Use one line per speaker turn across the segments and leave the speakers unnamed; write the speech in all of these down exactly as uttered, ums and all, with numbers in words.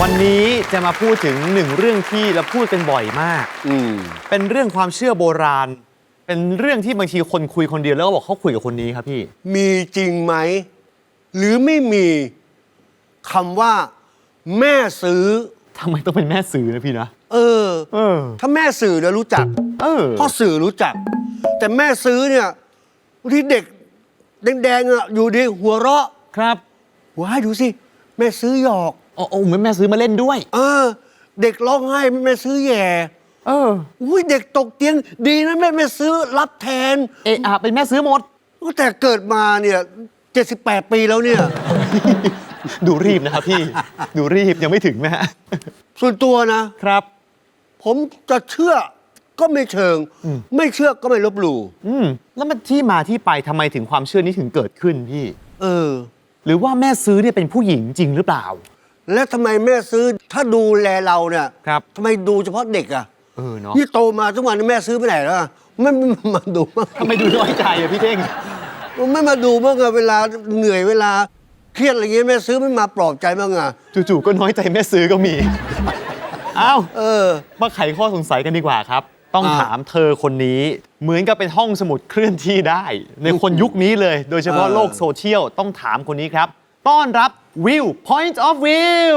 วันนี้จะมาพูดถึงหนึ่งเรื่องที่เราพูดกันบ่อยมากอืมเป็นเรื่องความเชื่อโบราณเป็นเรื่องที่บางทีคนคุยคนเดียวแล้วก็บอกเขาคุยกับคนนี้ครับพี่
มีจริงไหมหรือไม่มีคำว่าแม่ซื้อ
ทำไมต้องเป็นแม่สื่อนะพี่นะ
เออเออถ้าแม่สื่อเนี่ยรู้จัก
เออ
พ่อสื่อรู้จักแต่แม่ซื้อเนี่ยบางทีเด็กแดงๆอ่ะอยู่ดีหัวเราะ
ครับ
ว้ายดูสิแม่ซื้อหยอก
โอ้โอ้เหมือนแม่ซื้อมาเล่นด้วย
เออเด็กร้องไห้แม่ซื้อแย่
เออ
อุ้ยเด็กตกเตียงดีนะแม่แม่ซื้อรับแทน
เอะอะเป็นแม่ซื้อหมด
แต่เกิดมาเนี่ยเจ็ดสิบแปดปีแล้วเนี่ย
ดูรีบนะครับพี่ดูรีบยังไม่ถึงนะฮะ
ส่วนตัวนะครับผมจะเชื่อก็ไม่เชิงไม่เชื่อก็ไม่ลบหลู่
อืมแล้วมันที่มาที่ไปทำไมถึงความเชื่อนี้ถึงเกิดขึ้นพี่
เออ
หรือว่าแม่ซื้อเนี่ยเป็นผู้หญิงจริงหรือเปล่า
และทำไมแม่ซื้อถ้าดูแลเราเนี่ย
ครับ
ทำไมดูเฉพาะเด็กอ่ะ
เออเนาะ
นี่โตมาทุกวันแม่ซื้อไปไหนแล้วไม่มาดูมั้ง
ทำไมดูน้อยใจอ่ะพี่เท่ง
ไม่มาดูบ้างอะเวลาเหนื่อยเวลาเครียดอะไรเงี้ยแม่ซื้อไม่มาปลอบใจบ้างอะ
จู่ๆก็น้อยใจแม่ซื้อก็มีอ้าว
เออ
มาไขข้อสงสัยกันดีกว่าครับต้องถามเธอคนนี้เหมือนกับเป็นห้องสมุดเคลื่อนที่ได้ในคนยุคนี้เลยโดยเฉพาะโลกโซเชียลต้องถามคนนี้ครับต้อนรับวิว Point of View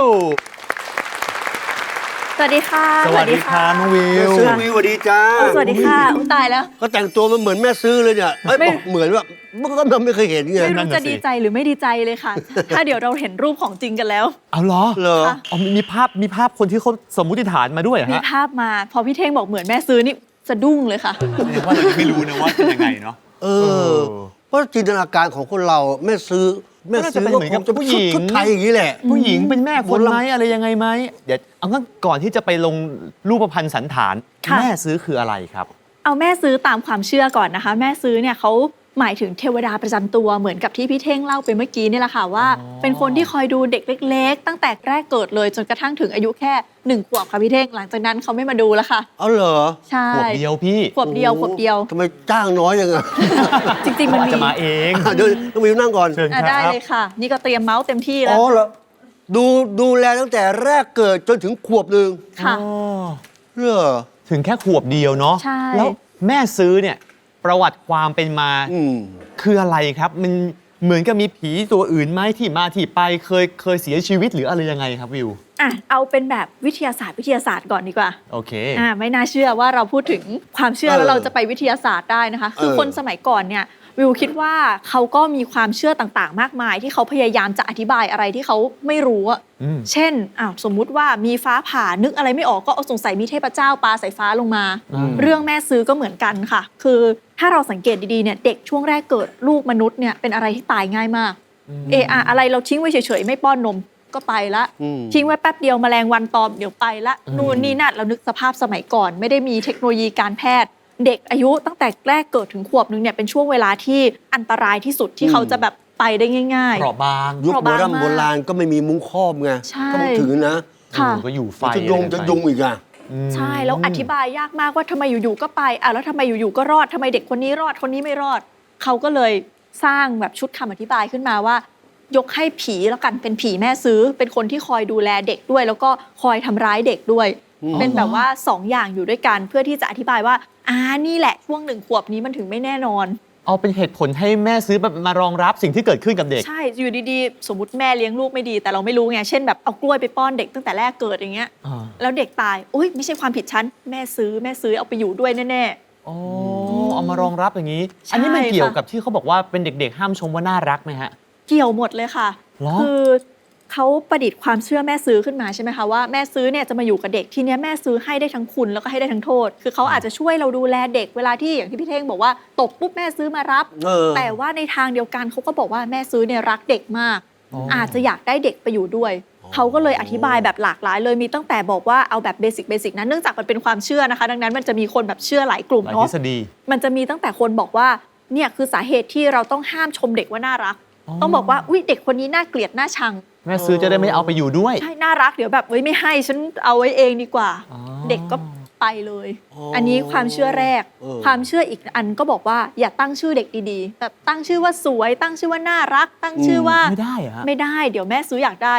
สวัสดีค่ะ
สวัสดีค่ะน้องวิว
ซื้อวิวสวัสดีจ้า
สวัสดีค่ะอุ้ตายแล้ว
ก็แต่งตัวมันเหมือนแม่ซื้อเลยเนี่ยไม่เหมือนว่าเมื่อก่อนเราไม่เคยเห็นไง
ไม่รู้จะดีใจหรือไม่ดีใจเลยค่ะถ้าเดี๋ยวเราเห็นรูปของจริงกันแล้ว
เอาเหรอ
เหรอ
อ๋อมีภาพมีภาพคนที่เขาสมมุติฐานมาด้วยฮะ
มีภาพมาพอพี่เท่งบอกเหมือนแม่ซื้อนี่สะดุ้งเลยค่ะ
ว่าเราไม่รู้นะว่าเป็นยังไงเนาะ
เออเพราะจินตนาการของคนเราแม่ซื้อแม่ซื้อก็คงจะผู้หญิงชุดไทยอย่างนี้แหละ
ผู้หญิงเป็นแม่คนไหมอะไรยังไงไหมเดี๋ยวเอางั้นก่อนที่จะไปลงรูปพรรณสันฐานแม่ซื้อคืออะไรครับ
เอาแม่ซื้อตามความเชื่อก่อนนะคะแม่ซื้อเนี่ยเขาหมายถึงเทวดาประจำตัวเหมือนกับที่พี่เท่งเล่าไปเมื่อกี้นี่แหละค่ะว่าเป็นคนที่คอยดูเด็กเล็กๆตั้งแต่แรกเกิดเลยจนกระทั่งถึงอายุแค่หนึ่งขวบค่ะพี่เท่งหลังจากนั้นเขาไม่มาดูแล้วค่ะ
เอาเหรอ
ใช่
ขวบเดียวพี่
ขวบเดียวขวบเดียว
ทำไมจ้างน้อยยังไง
จริงๆมันมี
จะมาเอง
เดี๋ยวต้องวิวนั่งก่อน
ได้เลยค่ะนี่ก็เตรียมเมาส์เต็มที่แล้ว
อ๋อเหรอดูดูแลตั้งแต่แรกเกิดจนถึงขวบหนึ่ง
ค่ะ
เหรอ
ถึงแค่ขวบเดียวเนาะ
ใช่
แล้วแม่ซื้อเนี่ยประวัติความเป็นมาคืออะไรครับมันเหมือนกับมีผีตัวอื่นไหมที่มาที่ไปเคยเคยเสียชีวิตหรืออะไรยังไงครับวิว
อ่ะเอาเป็นแบบวิทยาศาสตร์วิทยาศาสตร์ก่อนดีกว่า
โอเค
อ่าไม่น่าเชื่อว่าเราพูดถึงความเชื่อแล้วเราจะไปวิทยาศาสตร์ได้นะคะคือคนสมัยก่อนเนี่ยวิวคิดว่าเขาก็มีความเชื่อต่างๆมากมายที่เขาพยายามจะอธิบายอะไรที่เขาไม่รู้อ่ะเช่นอ้าวสมมุติว่ามีฟ้าผ่านึกอะไรไม่ออกก็เอาสงสัยมีเทพเจ้าปาสายฟ้าลงมาเรื่องแม่ซื้อก็เหมือนกันค่ะคือถ้าเราสังเกตดีๆเนี่ยเด็กช่วงแรกเกิดลูกมนุษย์เนี่ยเป็นอะไรที่ตายง่ายมากเอออะไรเราทิ้งไว้เฉยๆไม่ป้อนนมก็ไปละทิ้งไว้แป๊บเดียวแมลงวันตอมเดี๋ยวไปละนู่นนี่นั่นเรานึกสภาพสมัยก่อนไม่ได้มีเทคโนโลยีการแพทย์เด็กอายุตั้งแต่แรกเกิดถึงขวบนึงเนี่ยเป็นช่วงเวลาที่อันตรายที่สุดที่เขาจะแบบไปได้ง่ายๆ
เปราะบาง
ยุคโบราณโบราณก็ไม่มีมุ้งครอบไงก็ต้องถือนะ
ก็อยู่ไฟ
จะยุงจะยุงอีกอ่ะ
ใช่แล้วอธิบายยากมากว่าทำไมอยู่ๆก็ไปอ่ะแล้วทำไมอยู่ๆก็รอดทำไมเด็กคนนี้รอดคนนี้ไม่รอดเขาก็เลยสร้างแบบชุดคำอธิบายขึ้นมาว่ายกให้ผีแล้วกันเป็นผีแม่ซื้อเป็นคนที่คอยดูแลเด็กด้วยแล้วก็คอยทำร้ายเด็กด้วยเป็นแบบว่าสองอย่างอยู่ด้วยกันเพื่อที่จะอธิบายว่าอ่านี่แหละช่วงหนึ่งขวบนี้มันถึงไม่แน่นอน
เอาเป็นเหตุผลให้แม่ซื้อมารองรับสิ่งที่เกิดขึ้นกับเด็ก
ใช่อยู่ดีๆสมมติแม่เลี้ยงลูกไม่ดีแต่เราไม่รู้ไงเช่นแบบเอากล้วยไปป้อนเด็กตั้งแต่แรกเกิดอย่างเงี้ยแล้วเด็กตายอุ้ยไม่ใช่ความผิดฉันแม่ซื้อแม่ซื้อเอาไปอยู่ด้วยแน่
ๆอ๋อเอามารองรับอย่างนี้อันนี้มันเกี่ยวกับที่เขาบอกว่าเป็นเด็กๆห้ามชมว่าน่ารักไหมฮะ
เกี่ยวหมดเลยค่ะคือเขาประดิษฐ์ความเชื่อแม่ซื้อขึ้นมาใช่ไหมคะว่าแม่ซื้อเนี่ยจะมาอยู่กับเด็กทีนี้แม่ซื้อให้ได้ทั้งคุณแล้วก็ให้ได้ทั้งโทษคือเขาอาจจะช่วยเราดูแลเด็กเวลาที่อย่างที่พี่เท่งบอกว่าตกปุ๊บแม่ซื้อมารับแต่ว่าในทางเดียวกันเขาก็บอกว่าแม่ซื้อเนี่ยรักเด็กมากอาจจะอยากได้เด็กไปอยู่ด้วยเขาก็เลยอธิบายแบบหลากหลายเลยมีตั้งแต่บอกว่าเอาแบบเบสิกเบสิกนะเนื่องจากมันเป็นความเชื่อนะคะดังนั้นมันจะมีคนแบบเชื่อหลายกลุ่มเนาะมันจะมีตั้งแต่คนบอกว่าเนี่ยคือสาเหตุที่เราต้องห้ามชมเด็กว่าน่ารักต้องบอกว่าอุ๊ยเด็กคนนี้น่าเกลียดน่าชัง
แม่ซื้อจะได้ไม่เอาไปอยู่ด้วย
ใช่น่ารักเดี๋ยวแบบเฮ้ยไม่ให้ฉันเอาไว้เองดีกว่าเด็กก็ไปเลยอันนี้ความเชื่อแรกความเชื่ออีกอันก็บอกว่าอย่าตั้งชื่อเด็กดีๆแบบตั้งชื่อว่าสวยตั้งชื่อว่าน่ารักตั้งชื่อว่า
ไม่ได้อะ
ไม่ได้เดี๋ยวแม่ซื้ออยากได้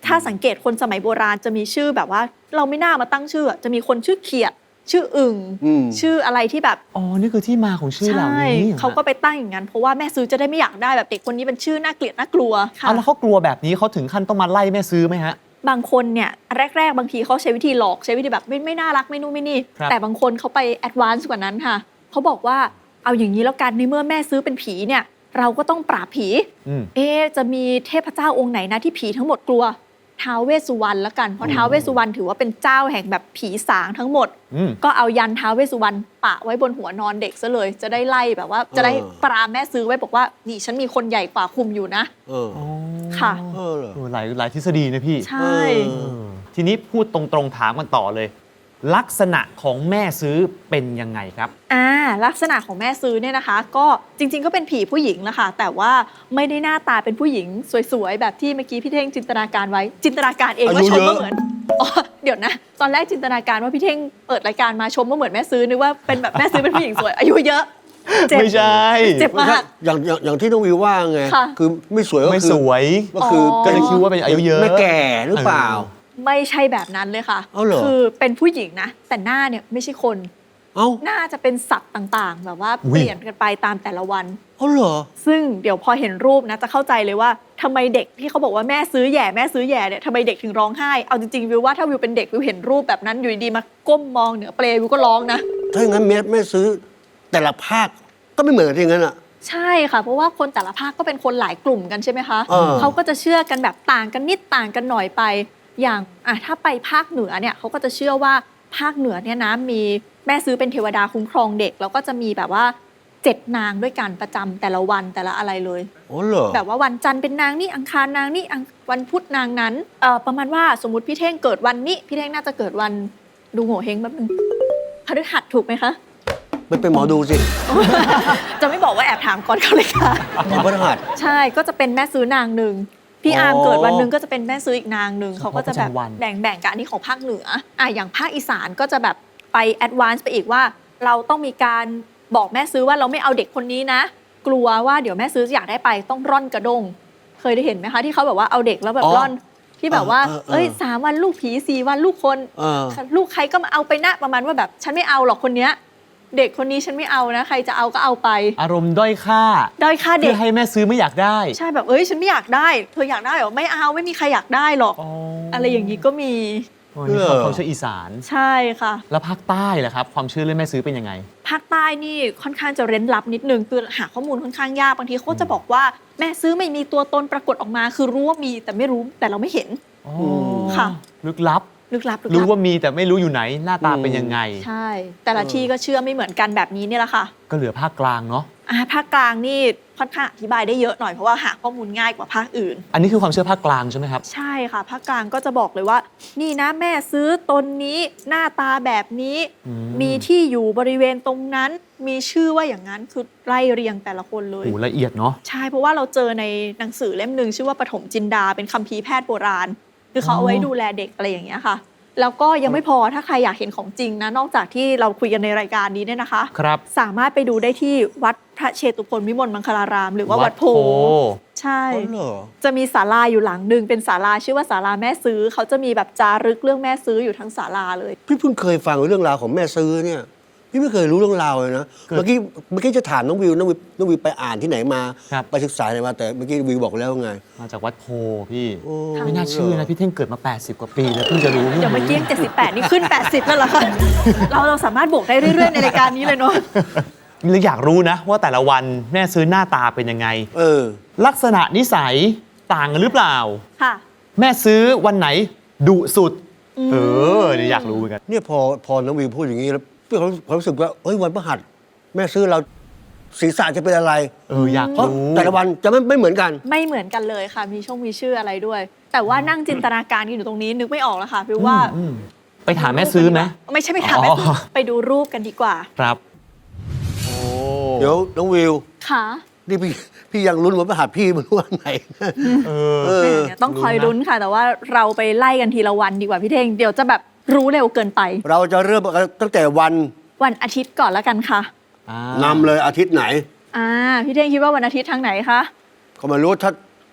ถ้าสังเกตคนสมัยโบราณจะมีชื่อแบบว่า เราไม่น่ามาตั้งชื่อจะมีคนชื่อเขียดชื่ออึ่ง
อืม
ชื่ออะไรที่แบบ
อ๋อ นี่คือที่มาของชื่อเหล่า
ใช่
นี้หรอ
เขาก็ไปตั้งอย่างนั้นเพราะว่าแม่ซื้อจะได้ไม่อยากได้แบบเด็กคนนี้เป็นชื่อน่าเกลียดน่ากลัวค่ะ
เอาแล้วเขากลัวแบบนี้เขาถึงขั้นต้องมาไล่แม่ซื้อไหมฮะ
บางคนเนี่ยแรก ๆ บางทีเขาใช้วิธีหลอกใช้วิธีแบบไม่ไม่น่ารักไม่นู่นไม่นี่
ครับ
แต่บางคนเขาไปแอดวานซ์กว่านั้นค่ะเขาบอกว่าเอาอย่างนี้แล้วกันในเมื่อแม่ซื้อเป็นผีเนี่ยเราก็ต้องปราบผี
อืม
เอ๊ะจะมีเทพเจ้าองค์ไหนนะที่ผีทั้งหมดกลัวท้าวเวสสุวรรณละกันเพราะท้าวเวสสุวรรณถือว่าเป็นเจ้าแห่งแบบผีสางทั้งหมด
อืม
ก็เอายันท้าวเวสสุวรรณปะไว้บนหัวนอนเด็กซะเลย จะได้ไล่แบบว่าจะได้ปรามแม่ซื้อไว้บอกว่านี่ฉันมีคนใหญ่กว่าคุมอยู่นะ
เออ
ค่ะ
เออเหรอ
เออหลายหลายทฤษฎีนะพี่
ใช่
เออ
เออทีนี้พูดตรงๆถามกันต่อเลย ลักษณะของแม่ซื้อเป็นยังไงครับ
อ่าลักษณะของแม่ซื้อเนี่ยนะคะ ก็จริงๆก็เป็นผีผู้หญิงแหละค่ะแต่ว่าไม่ได้หน้าตาเป็นผู้หญิงสวยๆแบบที่เมื่อกี้พี่เท่งจินตนาการไว้ จินตนาการเองว่า
อายุ
ชม
เยอะ
ว่าเหมือนอ๋อเดี๋ยวนะ ตอนแรกจินตนาการว่าพี่เท่งเปิดรายการมาชมว่าเหมือนแม่ซื้อนึกว่าเป็นแบบแม่ซื้อเป็นผู้หญิงสวย อายุเยอะเจ็บ
ไม่ใช่
เจ็บมาก
อย่างอย่างอย่างที่น้องวิวว่าไง
ค่ะ
คือไม่สวยก็
ไม่
คือ
สวย
ก็คือ
อ๋อ
ก็เลยคิดว่าเป็นอายุเยอะ
ไม่แก่หรือเปล่า
ไม่ใช่แบบนั้นเลยค่ะ
เอาเหรอ
คือเป็นผู้หญิงนะ แต่หน้าเนี่ยไม่ใช่คน
เอ้า
หน้าจะเป็นสัตว์ต่างๆ แบบว่า
อุ๊ย
เปลี่ยนกันไปตามแต่ละวัน
เอาเหรอ
ซึ่งเดี๋ยวพอเห็นรูปนะจะเข้าใจเลยว่าทำไมเด็กที่เขาบอกว่าแม่ซื้อแย่แม่ซื้อแย่เนี่ยทำไมเด็กถึงร้องไห้เอาจริงๆวิวว่าถ้าวิวเป็นเด็กวิวเห็นรูปแบบนั้นอยู่ดีๆมาก้มมองเหนือเปลวิวก็ร้องนะ
ถ้าอย่างนั้นแม่แม่ซื้อแต่ละภาคก็ไม่เหมือนกันอย่างนั้นอ่ะ
ใช่ค่ะ เพราะว่าคนแต่ละภาคก็เป็นคนหลายกลุ่มกันใช่ไหมคะ
เออ
เขาก็จะเชื่อกันแบบต่างกันนิดต่างกันหน่อยไป อย่างอ่ะถ้าไปภาคเหนือเนี่ยเขาก็จะเชื่อว่าภาคเหนือเนี่ยนะมีแม่ซื้อเป็นเทวดาคุ้มครองเด็กแล้วก็จะมีแบบว่าเจ็ดนางด้วยกันประจำแต่ละวันแต่ละอะไรเลย
โอ้เหรอ
แบบว่าวันจันทร์เป็นนางนี่อังคารนางนี่อังวันพุธนางนั้นเอ่อประมาณว่าสมมติพี่เท่งเกิดวันนี้พี่เท่งน่าจะเกิดวันดูโง่เฮงแป๊บนึงพฤหัสถูกไหมคะ
ไม่เป็นหมอดูสิ
จะไม่บอกว่าแอบถามก่อนเขาเลยค่ะ
หมอพฤหัส
ใช่ก็จะเป็นแม่ซื้อนางหนึ่งพี่
อ๋อ
อาร์มเกิดวันหนึ่งก็จะเป็นแม่ซื้ออีกนางหนึ่ง
เฉพาะ
เขาก็จะแบบ
ประจำวัน
แบ่งแบ่งๆกันอันนี้ของภาคเหนืออ่ะอย่างภาคอีสานก็จะแบบไปแอดวานซ์ไปอีกว่า เราต้องมีการบอกแม่ซื้อว่าเราไม่เอาเด็กคนนี้นะ กลัวว่าเดี๋ยวแม่ซื้ออยากได้ไปต้องร่อนกระด้งเคยได้เห็นไหมคะที่เขาแบบว่าเอาเด็กแล้วแบบร่อนที่แบบว่า
เออเออเออ
เอ้ยสามวันลูกผีสี่วันลูกคน
เออ
ลูกใครก็มาเอาไปนะประมาณว่าแบบฉันไม่เอาหรอกคนเนี้ยเด็กคนนี้ฉันไม่เอานะ ใครจะเอาก็เอาไป
อารมณ์ด้อยค่า
ด้อยค่าเด็
เพื่
ก
อให้แม่ซื้อไม่อยากได้
ใช่แบบเอ้ยฉันไม่อยากได้ เธออยากได้เหรอไม่เอาไม่มีใครอยากได้หรอก
อ๋อ
อะไรอย่างนี้ก็มี
อ๋อนี่เขาเขาเชื่ออีสาน
ใช่ค่ะ
แล้วภาคใต้ล่ะครับ ความเชื่อเรื่องแม่ซื้อเป็นยังไง
ภาคใต้นี่ค่อนข้างจะเร้นลับนิดนึงคือหาข้อมูลค่อนข้างยากบางทีเขาก็จะบอกว่าแม่ซื้อไม่มีตัวตนปรากฏออกมา คือรู้ว่ามีแต่ไม่รู้แต่เราไม่เห็น
อ๋อ
ค่ะ
ลึกลับ
ลึกลับลึก
รู้
ลับ
ว่ามีแต่ไม่รู้อยู่ไหน หน้าตาเป็นยังไง
ใช่ แต่ละที่ก็เชื่อไม่เหมือนกันแบบนี้เนี่ยแหละค่ะ
ก็เหลือภาคกลางเนาะ
อ่าภาคกลางนี่ค่อนข้างอธิบายได้เยอะหน่อยเพราะว่าหาข้อมูลง่ายกว่าภาคอื่น
อันนี้คือความเชื่อภาคกลางใช่ไหมครับ
ใช่ค่ะภาคกลางก็จะบอกเลยว่า นี่นะแม่ซื้อตนนี้หน้าตาแบบนี้
อืม
มีที่อยู่บริเวณตรงนั้น มีชื่อว่าอย่างนั้นคือไล่เรียงแต่ละคนเลย
โอ้ละเอียดเนาะ
ใช่เพราะว่าเราเจอในหนังสือเล่มหนึ่งชื่อว่าปฐมจินดาเป็นคัมภีร์แพทย์โบราณ คือเขาเอาไว้ดูแลเด็กอะไรอย่างเงี้ยค่ะ แล้วก็ยังไม่พอถ้าใครอยากเห็นของจริงนะนอกจากที่เราคุยกันในรายการนี้เนี่ยนะคะ
ครับ
สามารถไปดูได้ที่วัดพระเชตุพนวิมลมังคลาราม หรือว่าวัดโพ ใช่
อ๋อเหรอ
จะมีศาลาอยู่หลังหนึ่งเป็นศาลาชื่อว่าศาลาแม่ซื้อเขาจะมีแบบจารึกเรื่องแม่ซื้ออยู่ทั้งศาลาเลย
พี่เพิ่งเคยฟังเรื่องราวของแม่ซื้อเนี่ยพี่ไม่เคยรู้เรื่องราวเลยนะ
เกิด
เมื่อกี้เมื่อกี้จะถามน้องวิวน้องวิวน้องวิวไปอ่านที่ไหนมา
ครับ
ไปศึกษาอะไรมาแต่เมื่อกี้วิวบอกแล้วไง
มาจากวัดโพพี่
โอ้
ไม่น่าเชื่อนะพี่เท่งเกิดมา แปดสิบ กว่าปีแล้วเพิ่งจะรู้
เดี๋ยวเมื่อกี้ยังเจ็ดสิบแปดนี่ขึ้น แปดสิบแล้วเหรอคะ เราเราสามารถบวกได้เรื่อยๆในรายการนี้เลยเนาะ
เลยอยากรู้นะว่าแต่ละวันแม่ซื้อหน้าตาเป็นยังไง
เออ
ลักษณะนิสัยต่างกันหรือเปล่า
ค่ะ
แม่ซื้อวันไหนดุสุด
อืม
เออเนี่ยอยากรู้เหมือนกัน
เนี่ยพอพอน้องวิวพูดอย่างนี้แล้วพี่เขาเขารู้สึกว่าเอ้ยวันพฤหัสแม่ซื้อเราศีรษะจะเป็นอะไร
เอออยาก
เพราะ
รู้
แต่ละวันจะไม่ไม่เหมือนกัน
ไม่เหมือนกันเลยค่ะ มีช่องมีชื่ออะไรด้วย แต่ว่านั่งจินตนาการกันอยู่ตรงนี้นึกไม่ออกแล้วค่ะพี่ว่า
อืมไปถามแม่ซื้อไหม
ไม่ใช่ไปถามแม่ซื้ออ
อ
ไปดูรูปกันดีกว่า
ครับโอ้
เดี๋ยวน้องวิว
ค่ะ
นี่พี่พี่ยังลุ้นวันพฤหัสพี่มันวันไหน
เออ
เออ
เนี่ยต้องคอยลุ้นค่ะ แต่ว่าเราไปไล่กันทีละวันดีกว่าพี่เท่งเดี๋ยวจะแบบรู้เร็วเกินไป
เราจะเริ่มตั้งแต่วัน
วันอาทิตย์ก่อนแล้วกันค่ะ
อ่าน
ำเลยอาทิตย์ไหน
อ่าพี่เท่งคิดว่าวันอาทิตย์ทางไหนคะ
ก็ไม่รู้ถ้า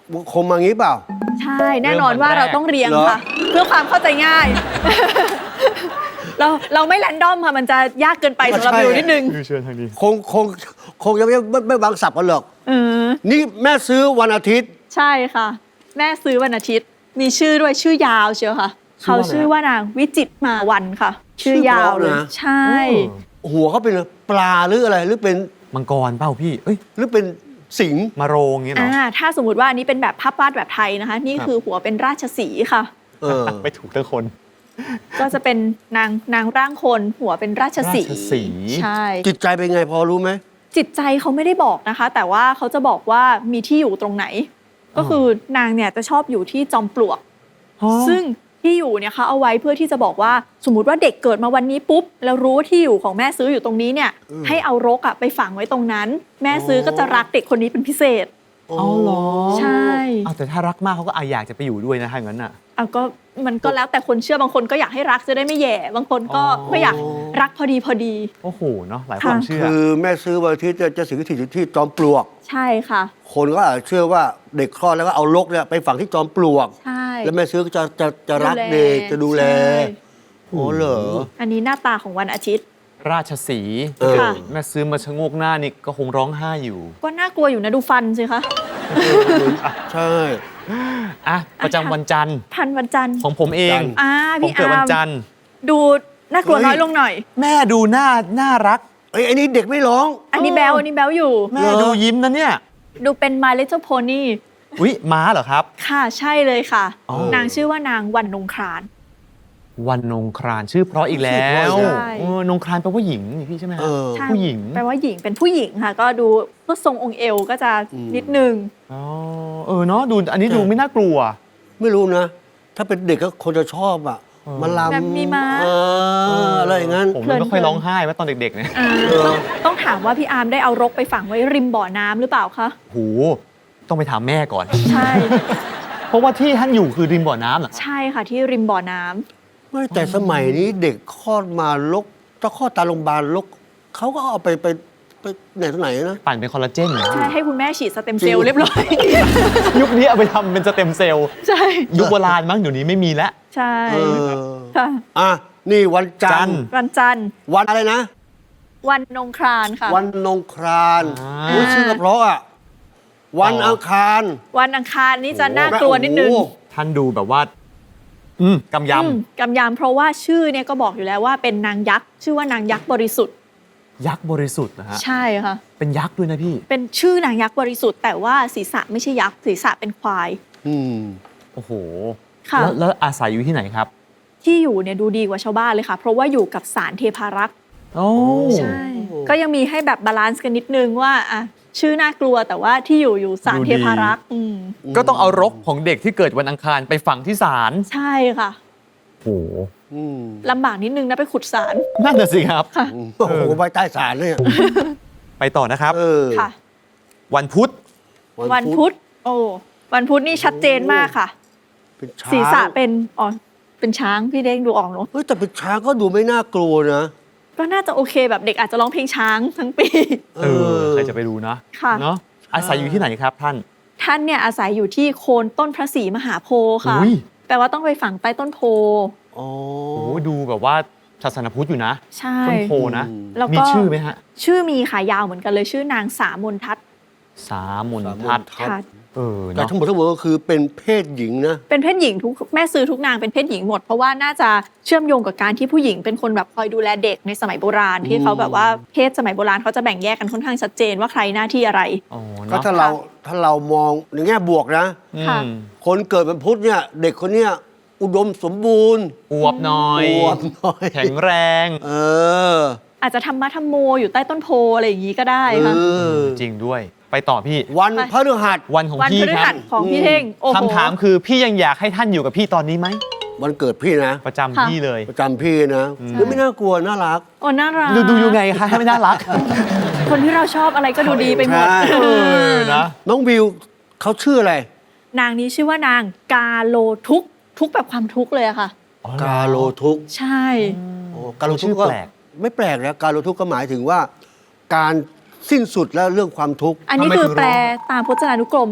คงมางี้เปล่า
ใช่ แน่นอนว่าเราต้องเรียงค่ะ เพื่อความเข้าใจง่าย เราเราไม่แรนดอมค่ะ มันจะยากเกินไปสำหรับ
ใช่
วิวนิดนึง
คือเชิญทางนี้
คงคงคงจะไม่ไม่ไม่วางสับกันหรอก
เออ
นี่แม่ซื้อวันอาทิตย์
ใช่ค่ะ แม่ซื้อวันอาทิตย์ มีชื่อด้วยชื่อยาวเชียวค่ะ เขาชื่อว่านางวิจิตรมาวันค่ะ ชื่อยาวเลย
ชื่อเพราะนะ
ใช่
หัวเขาเป็นปลาหรืออะไรหรือเป็น
มังกรเปล่าพี่ เอ้ย
หรือเป็นสิงห์
มาโรงเงี้ยเหรอ
อ่าถ้าสมมติว่าอันนี้เป็นแบบภาพวาดแบบไทยนะคะ นี่
ครับ
คือหัวเป็นราชสีห์ค่ะ
เออ
ไม่ถูกทั้งคน
ก็จะเป็นนางนางร่างคนหัวเป็นราชสีห์
ราชสีห์
ใช่
จิตใจเป็นไงพอรู้ไหม
จิตใจเขาไม่ได้บอกนะคะ แต่ว่าเขาจะบอกว่ามีที่อยู่ตรงไหน ก็คือนางเนี่ยจะชอบอยู่ที่จอมปลวก ซึ่งที่อยู่เนี่ยเขาเอาไว้เพื่อที่จะบอกว่าสมมติว่าเด็กเกิดมาวันนี้ปุ๊บแล้วรู้ว่าที่อยู่ของแม่ซื้ออยู่ตรงนี้เนี่ย
อืม
ให้เอารกอะไปฝังไว้ตรงนั้น แม่ซื้อก็จะรักเด็กคนนี้เป็นพิเศษ
เอาเหรอ
ใช่
เอาแต่ถ้ารักมากเขาก็อาอยากจะไปอยู่ด้วยนะถ้าอย่างนั้นอ่ะ
เอาก็มันก็แล้วแต่คนเชื่อบางคนก็อยากให้รักจะได้ไม่แย่ บางคนก็
อ๋อ
ไม่อยากรักพอดีพอดี
โอ้โหเนาะหลายความเชื่อ
คือแม่ซื้อวันอาทิตย์จะจะสิงสถิตอยู่ที่จอมปลวก
ใช่ค่ะ
คนก็อาจจะเชื่อว่าเด็กคลอดแล้วก็เอาลกเนี่ยไปฝังที่จอมปลวก
ใช่
แล้วแม่ซื้อก็จะจะจะรัก
ดูแล
เด็กจะดูแล
ใช่
โอ้เหรอ
อันนี้หน้าตาของวันอาทิตย์
ราชสีห์
เออ
ค่ะ
แม่ซื้อมาชะโงกหน้านี่ก็คงร้องไห้อยู่
ก็น่ากลัวอยู่นะดูฟันสิคะ
ใช่
อ่ะ ประจำวันจันทร์
ทันวันจันทร์
ของผมเอง
จันทร์
อ่า
ผม
พี่
เกิด
อา
วัน
ร์ม
จันทร์
ดูน่ากลัว
เฮ้ย
น้อยลงหน่อย
แม่ดูหน้าน่ารัก
ไอ้ยอันนี้เด็กไม่ร้อง
อันนี้แบลอันนี้แบลอยู่
แม่ดูยิ้มนะเนี่ย
ดูเป็น My Little Pony
อุ๊ย ม้าเหรอครับ
ค่ะใช่เลยค่ะ
อ๋อ
นางชื่อว่านางวันนงคราน
วันนงครานชื่อเพราะอีกแล้ว
ใช่
เออนงครานแปลว่าหญิงนี่พี่ใช่ไหมฮะ
เออ
ใช่
ผู้หญิง
แปลว่าหญิงเป็นผู้หญิงค่ะ ก็ดูพวกทรงองค์เอวก็จะ
อืม
นิดนึง
อ๋อ เออเนาะดูอันนี้ดูไม่น่ากลัว
ไม่รู้นะ ถ้าเป็นเด็กก็คนจะชอบอ่ะ
เออ
มาลำ
แบบมีม้า
เอออะไรอย่างนั้น
ผมมันไม่ค่อยร้องไห้ว่าตอนเด็กๆเนี่ย
อ่า
เออ
ต้องต้องถามว่าพี่อาร์มได้เอารกไปฝังไว้ริมบ่อน้ำหรือเปล่าคะ
โห ต้องไปถามแม่ก่อน
ใช่
เพราะว่าที่ท่านอยู่คือริมบ่อน้ำเหรอ
ใช่ค่ะที่ริมบ่อน้ำ
ไม่แต่สมัยนี้เด็กคลอดมาลกถ้าคลอดตามโรงพยาบาลลกเขาก็เอาไปไปไปไหนต่อไหนนะ
ปั่นเป็นคอลลาเจนเหรอ
ใช่ให้คุณแม่ฉีดสเต็มเซลล์
จริง
เรียบร้อย
ยุคนี้เอาไปทำเป็นสเต็มเซลล์
ใช่
ยุคโบราณมั้งเดี๋ยวนี้ไม่มีแล้ว
ใช่
เออ
ค่ะ
อ่ะนี่วันจันทร์
วันจันทร์
วันอะไรนะ
วันนงครานค่ะ
วันนงคราน
อ่า
โอ้ยชื่อก็เพราะอ่ะ วันอังคาร
วันอังคารนี่จะน่ากลัวนิดนึง
โอ้โห
ท่านดูแบบว่า อืมกำย
อืมกำยำเพราะว่าชื่อเนี่ยก็บอกอยู่แล้วว่าเป็นนางยักษ์ ชื่อว่านางยักษ์บริสุทธิ์
ำยักษ์บริสุทธิ์นะฮะ
ใช่ค่ะ
เป็นยักษ์ด้วยนะพี่
เป็นชื่อนางยักษ์บริสุทธิ์แต่ว่าศีรษะไม่ใช่ยักษ์ศีรษะเป็นควาย
อืม
โอ้โห
ค่ะ
แล้วแล้วอาศัยอยู่ที่ไหนครับ
ที่อยู่เนี่ยดูดีกว่าชาวบ้านเลยค่ะ เพราะว่าอยู่กับสารเทพารักษ์
โอ้
ใช่ ก็ยังมีให้แบบบาลานซ์กันนิดนึงว่าอ่ะชื่อน่ากลัวแต่ว่าที่อยู่อยู่สารเทพารักษ์อืม
ก็ต้องเอารกของเด็กที่เกิดวันอังคารไปฝังที่ศาล
ใช่ค่ะ
โอ้โห
อืม
ลำบากนิดนึงนะไปขุดสาร
นั่นน่ะสิครับ
ค่ะ
โอ้โหไว้ใต้ศาลเนี่ย
ไปต่อนะครับ
เออ
ค่ะ
วันพุธ
วันพุธโอ้วันพุธนี่ชัดเจนมากค่ะ
เป็นช้าง
ศีรษะเป็นอ๋อเป็นช้างพี่เด้งดูออกเนอะ
เฮ้ยแต่เป็นช้างก็ดูไม่น่ากลัวนะ
ก็น่าจะโอเคแบบเด็กอาจจะร้องเพลงช้างทั้งปี
เออ ใครจะไปรู้นะ
ค่ะ
เนาะ อาศัยอยู่ที่ไหนครับท่าน
ท่านเนี่ยอาศัยอยู่ที่โคนต้นพระศรีมหาโพธิ์ค่ะ
อุ้ย
แปลว่าต้องไปฝังใต้ต้นโพ
อ๋อ
โอ้โหดูแบบว่าศาสนพุทธอยู่นะ
ใช่
ต้นโพนะ
อืม
แล้วก็
มีชื่อไหมฮะ
ชื่อมีขายาวเหมือนกันเลยชื่อนางสามนทัศน์
สามน
สามน
ทัศน์
ทัศน์
ค่ะ
เออ
แต่
เนาะ
ทั้งหมดทั้งมวลก็คือเป็นเพศหญิงนะ
เป็นเพศหญิงทุกแม่ซื้อทุกนางเป็นเพศหญิงหมด เพราะว่าน่าจะเชื่อมโยงกับการที่ผู้หญิงเป็นคนแบบคอยดูแลเด็กในสมัยโบราณที่เขาแบบว่าเพศสมัยโบราณเขาจะแบ่งแยกกันค่อนข้างชัดเจนว่าใครหน้าที่อะไร
อ๋อ
ก็
เนาะ
ถ้าเราถ้าเรามองในแง่บวกนะ
อืม
ค่ะ
คนเกิดเป็นพุทธเนี่ย เด็กคนเนี้ยอุดมสมบูรณ์
อวบหน่อย
อวบหน่อย
แข็งแรง
เออ
อาจจะทำมาทำโมอยู่ใต้ต้นโพอะไรอย่างนี้ก็ได้ค่ะ
เออ
จริงด้วย ไปต่อพี่
วัน
ไป
พฤหัส
วันของ
วัน
พี่
พฤ
ค
หั
รั
ส
บ
ของพี่เท่งโอ้โห
คำถามคือพี่ยังอยากให้ท่านอยู่กับพี่ตอนนี้ไหม
วันเกิดพี่นะ
ประจำ
ค่ะ
พี่เลย
ประจำพี่นะแล้วไม่น่ากลัวน่ารัก
โอ้น่ารัก
ดูดูยังไงคะให้ไม่น่ารัก
คนที่เราชอบอะไรก็ดูดีไปหมด
ใช่
เออนะ
น้องวิวเขาชื่ออะไร
นางนี้ชื่อว่านางกาโลทุกข์ทุกข์แบบความทุกข์เลยอะค่ะ
กาโลทุกข์
ใช่
โอ้กาโลทุก
ชื่อ
ข์ก็
แปลก
ไม่แปลกนะกาโลทุกข์ก็หมายถึงว่า การสิ้นสุดแล้วเรื่องความทุกข์
อันนี้
ทำไม
คือ
ถึงร้อง
แปลตามพจนานุกรม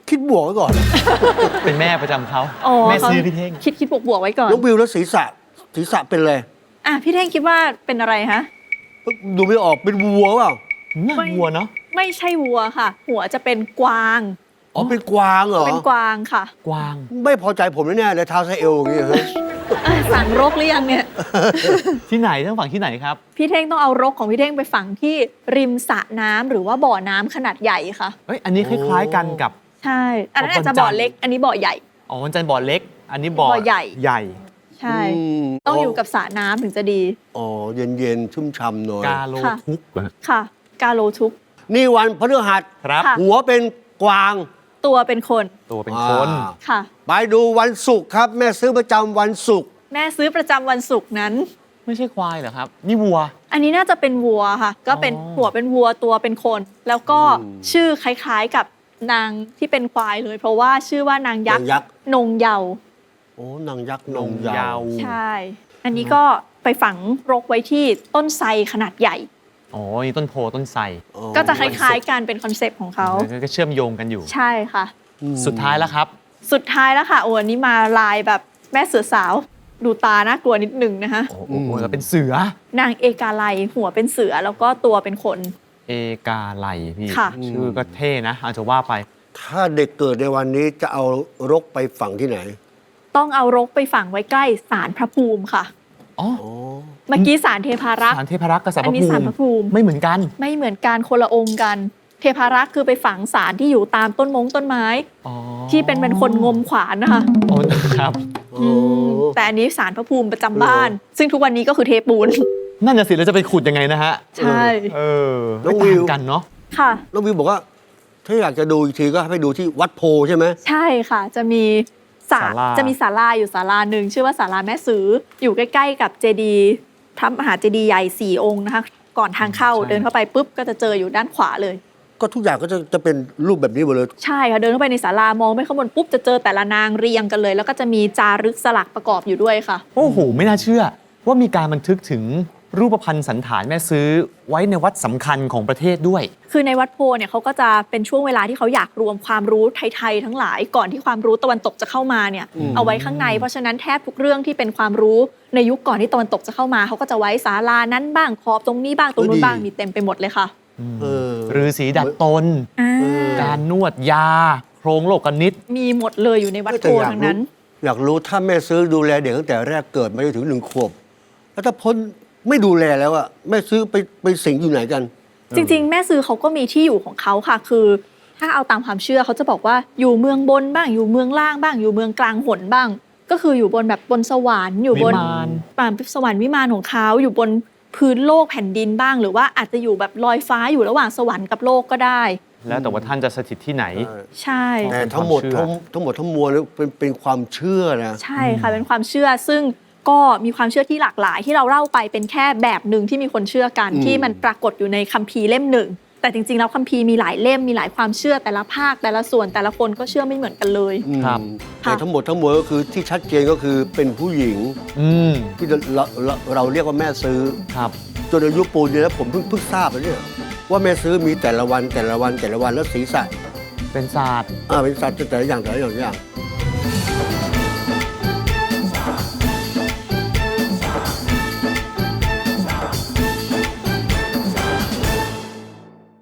คิดบวกไว้ก่อน
เป็นแม่ประจำเขา
อ๋อ
แม่
เขา
ซื้อพี่เท่ง
คิดคิดบวกบวกๆไว้ก่อน
น้องวิวแล้วศีรษะศีรษะเป็นอะไร
อ่ะพี่เท่งคิดว่าเป็นอะไรฮะ
ดูไม่ออกเป็นวัวเปล่า
น่าวัวเนาะ
ไม่ใช่วัวค่ะ หัวจะเป็นกวาง
อ๋อเป็นกวางเหรอ
เป็นกวางค่ะ
กวาง
ไม่พอใจผมแน่ๆเลยเท้าไซเอลอย่างเงี้ยเฮ้ย
อ่ะสั่งรกหรือยังเนี่ย
ที่ไหนทั้งฝั่งที่ไหนครับ
พี่เท่งต้องเอารกของพี่เท่งไปฝังที่ริมสระน้ำหรือว่าบ่อน้ำขนาดใหญ่ค่ะ
เอ้ยอันนี้คล้ายๆกันกับ
ใช่ อันนั้นอาจจะบ่อเล็ก อันนี้บ่อใหญ่
อ๋อวันจันทร์บ่อเล็ก อันนี้บ่อ
บ่อใหญ่
ใหญ่
ใช่
ม
ต้องอยู่กับสระน้ำถึงจะดี
อ๋อเย็นๆชุ่มฉ่ำหน่อย
กาโล
ค่ะ
ทุกข์เหรอ
ค่ะ กาโลทุก
นี่วันพฤหัส
ครับ
ค่ะ
หัวเป็นกวาง
ตัวเป็นคน
ตัวเป็นคน
อ่า
ค่ะ
ไปดูวันศุกร์ครับ แม่ซื้อประจำวันศุกร์
แม่ซื้อประจำวันศุกร์นั้น
ไม่ใช่ควายเหรอครับ นี่วัว
อันนี้น่าจะเป็นวัวค่ะ ก็เป็น
อ๋อ
หัวเป็นวัวตัวเป็นคน แล้วก็ชื่อคล้ายๆกับนางที่เป็นควายเลย เพราะว่าชื่อว่านางยั
นาก ง
ษ์
ยักษ์
นงเยาว์
โอ้นางยักษ์น
น
ง
ง
ยา
เยาว ว
ใช่ อันนี้ก็ไปฝังรกไว้ที่ต้นไทรขนาดใหญ่
อ๋อนี่ต้นโพต้นไทร
อ๋อ
ก็จะคล้ายๆกันเป็นคอนเซปต์ของเขา
ก็เชื่อมโยงกันอยู่
ใช่ค่ะ
อืม
สุดท้ายแล้วครับ
สุดท้ายแล้วค่ะโอ้อันนี้มาลายแบบแม่เสือสาว ดูตาน่ากลัวนิดนึงนะคะ
โอ้โหแล้วเป็นเสือ
นางเอกาไลหัวเป็นเสือแล้วก็ตัวเป็นคน
เอกาไลพี่
ค่ะ
ชื่อก็เท่นะอาจจะว่าไป
ถ้าเด็กเกิดในวันนี้จะเอารกไปฝังที่ไหน
ต้องเอารกไปฝังไว้ใกล้ศาลพระภูมิค่ะ
อ๋อ
อ๋อ
เมื่อกี้ศาลเทพารักษ์
สารเทพรักษ์กับสารพ
อัน
ระ
นี้
ภู
ศาล
มิ
พระภูมิ
ไม่เหมือนกัน
ไม่เหมือนกันคนละองค์กัน เทพารักษ์คือไปฝังศาลที่อยู่ตามต้นมงต้นไม้
อ๋อ
ที่เป็นเป็นคนงมขวานนะคะ
อ๋อครับ
อืมแต่อันนี้ศาลพระภูมิประจำบ้าน ซึ่งทุกวันนี้ก็คือเทปูน
นั่นน่ะสิแล้วจะไปขุดยังไงนะฮะ
ใช่
เออ
น้อง
ไม่
วิ
ต่าง
ว
กันเนาะ
ค่ะ
น้องวิวบอกว่า ถ้าอยากจะดูอีกทีก็ให้ไปดูที่วัดโพใช่ไหม
ใช่ค่ะ จะมีศาล
ศาลา
จะมีศาลาอยู่ศาลาหนึ่งชื่อว่าศาลาแม่สืออยู่ใกล้ๆกับเจดีย์พระมหาเจดีย์ใหญ่สี่องค์นะคะ ก่อนทางเข้าเดินเข้าไปปุ๊บก็จะเจออยู่ด้านขวาเลย
ก็ทุกอย่างก็จะจะเป็นรูปแบบนี้หมดเลย
ใช่ค่ะเดินเข้าไปในศาลามองไปข้างบนปุ๊บจะเจอแต่ละนางเรียงกันเลย แล้วก็จะมีจารึกสลักประกอบอยู่ด้วยค่ะ
โอ้โห ไม่น่าเชื่อ ว่ามีการบันทึกถึงรูปพรรณสันฐานแม่ซื้อไว้ในวัดสำคัญของประเทศด้วย
คือในวัดโพเนี่ยเขาก็จะเป็นช่วงเวลาที่เขาอยากรวมความรู้ไทยๆทั้งหลายก่อนที่ความรู้ตะวันตกจะเข้ามาเนี่ย
อืม
เอาไว้ข้างในเพราะฉะนั้นแทบทุกเรื่องที่เป็นความรู้ในยุคก่อนที่ตะวันตกจะเข้ามาเขาก็จะไว้ศาลานั้นบ้างขอบตรงนี้บ้างตรงนู้นบ้างมีเต็มไปหมดเลยค่ะ
เออ
ฤาษีดัดตน
อ่า
เออ
การนวดยา โครงโลกนิต
มีหมดเลยอยู่ในวัดโพ
แต่อยาก
ทั้งนั้น
รู้อยากรู้ถ้าแม่ซื้อดูแลเด็กตั้งแต่แรกเกิดมาจนถึงหนึ่งขวบ แล้วถ้าพ้นไม่ดูแลแล้วอะแม่ซื้อไปไปสิงอยู่ไหนกัน
จริงๆ แม่ซื้อเขาก็มีที่อยู่ของเขาค่ะ คือ ถ้าเอาตามความเชื่อเขาจะบอกว่าอยู่เมืองบนบ้างอยู่เมืองล่างบ้างอยู่เมืองกลางหนบ้าง ก็คืออยู่บนแบบบนสวรรค์อยู่บน
วิมาน
ป่านสวรรค์วิมานของเขาอยู่บนพื้นโลกแผ่นดินบ้าง หรือว่าอาจจะอยู่แบบลอยฟ้าอยู่ระหว่างสวรรค์กับโลกก็ได้
แล้วแต่ว่าท่านจะสถิตที่ไหน
ใช่
แต่ทั้งหมด
เป็นความเชื่อ
ทั้งทั้งหมดทั้งมวลเนี่ยเป็นเป็นความเชื่อนะ
ใช่ค่ะเป็นความเชื่อซึ่งก็มีความเชื่อที่หลากหลายที่เราเล่าไปเป็นแค่แบบหนึ่งที่มีคนเชื่อกัน
อืม
ที่มันปรากฏอยู่ในคัมภีร์เล่มหนึ่งแต่จริงๆแล้วคัมภีร์มีหลายเล่มมีหลายความเชื่อแต่ละภาคแต่ละส่วนแต่ละคนก็เชื่อไม่เหมือนกันเลย
อืม
ครับ
แต่ทั้งหมดทั้งมวลก็คือที่ชัดเจนก็คือเป็นผู้หญิง
อืม
ที่เราเราเราเรียกว่าแม่ซื้อ
ครับ
จนอายุปูนเนี่ยแล้วผมเพิ่งเพิ่งทราบเลยเนี่ยว่าแม่ซื้อมีแต่ละวันแต่ละวันแต่ละวันแล้วศีรษะ
เป็นศาสตร์
อ่าเป็นสัตว์แต่ละอย่างแต่ละอย่างแต่ละอย่าง